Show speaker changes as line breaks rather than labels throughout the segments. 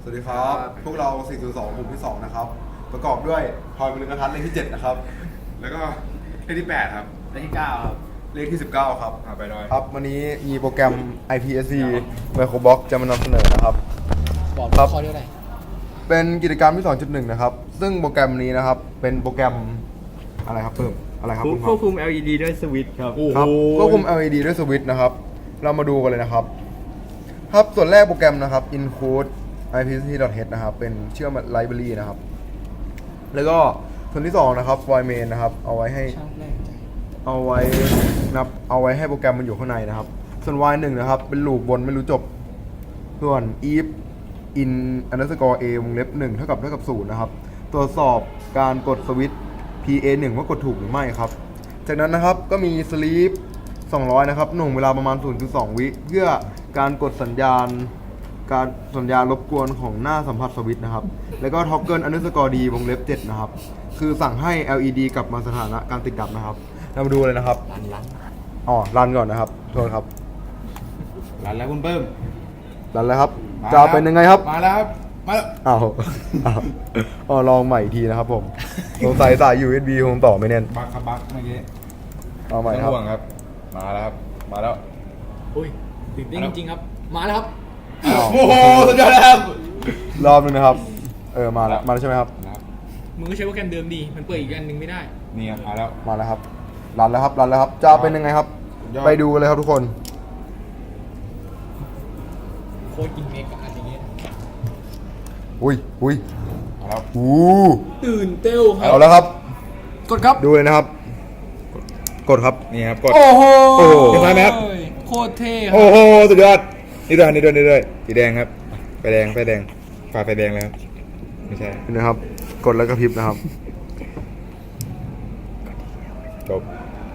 วัสดีครับพวกเรา 402 กลุ่มที่ 2 นะครับ ประกอบด้วยพลอยมลึงกระทัดเลขที่ 7 นะครับ
แล้วก็เลขที่ 8 ครับ
เลขที่9ครับ
เลขที่ 19 ครับ
ไปดอย
ครับ วันนี้มีโปรแกรม IPSC Microbox จะมานำเสนอนะครับ
บอก
ครับ
ข้อเดียวไหน
เป็นกิจกรรมที่ 2.1 นะครับ ซึ่งโปรแกรมนี้นะครับ เป็นโปรแกรมอะไรครับเพิ่มอะไรครับคุณค
คว
รั
บบ คุม LED ด้วยสวิตช์ครับ
ครับควบคุม LED ด้วยสวิตช์นะครับ เรามาดูกันเลยนะครับ ครับ ส่วนแรกโปรแกรมนะครับ include ipsc.h นะครับ เป็นเชื่อม library นะครับ แล้วก็ส่วนที่ 2 นะครับ void main นะครับ เอาไว้ให้ให้โปรแกรมมันอยู่ข้างในนะครับ ส่วน void 1 นะครับ เป็นลูปบนไม่รู้จบ ส่วน if in underscore a วงเล็บ1เท่ากับ0นะครับ ตรวจสอบการกดสวิตช์ PA1 ว่ากดถูกหรือไม่ครับ จากนั้นนะครับก็มี sleep 200 นะครับหน่วงเวลาประมาณ 0.2 วิเพื่อการกดสัญญาณรบกวนของหน้าสัมผัสสวิตช์นะครับ แล้วก็ toggle underscore d วงเล็บ7นะครับ คือสั่งให้ LED กลับมาสถานะการติดดับนะครับ เรามาดูเลยนะครับรันก่อนนะครับโทษครับ
รันแล้วคุณเพิ่ม
รันแล้วครับ
มา
จะเป็นยังไงครับ
มาแล้วครับ มาแล้ว
อ้าวลองใหม่อีกทีนะครับผมสงสัยสาย USB คงต่อไม่แน่น
บักครับบักเมื่อกี้
เอาใหม่
ไม่
ครับ
ห่วงครับ มาแล้วครับ มาแล้ว
อุ้ยตื่นเต้นจริงๆครับ มาแล้วครับ
อ้าว
โอ้โห สุดยอดแล้วครับ
รอบนึงนะครับ มาแล้วใช่ไหมครับ
นะครับ
มึงก็ใช้โปรแกรมเดิมดี มันเปิดอีกอันหนึ่งไม่ได้
นี่ครับมาแล้ว
มาแล้วครับรันแล้วครับ จะเป็นยังไงครับ
สุดยอด
ไปดูกันเลยครับทุกคน
โคตรอินเมกกับอันนี้
อุ้ย
มาแล้ว
ตื่นเต้วครั
เอา
บ
แล้วครับ
กดครับ
ดูเลยนะครับ กดครับ
นี่ครับ กด
โอ้โห
โอ้โหเห็นไหมครับ
โคตรเท่ค
โอ้
รับ
โห สุดยอด นี่ด้วยสีแดงครับ ไฟแดงฝ่าไฟแดงเลยครับ ไม่ใช่
เห็นนะครับ กดแล้วก็พริบนะครับ
จบ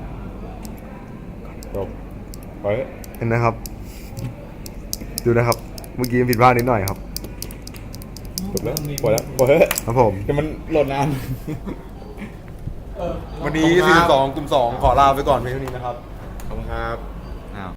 ไป
เห็นนะครับ ดูนะครับ เมื่อกี้ผิดพลาดนิดหน่อยครับ
จบแล้วปล่อยแล้ว
ครับผม
แต่มันโหลดนาน
วันนี้ 42 กลุ่ม 2 ขอลาไปก่อนเพียงเท่านี้นะครับ
ขอบคุณครับ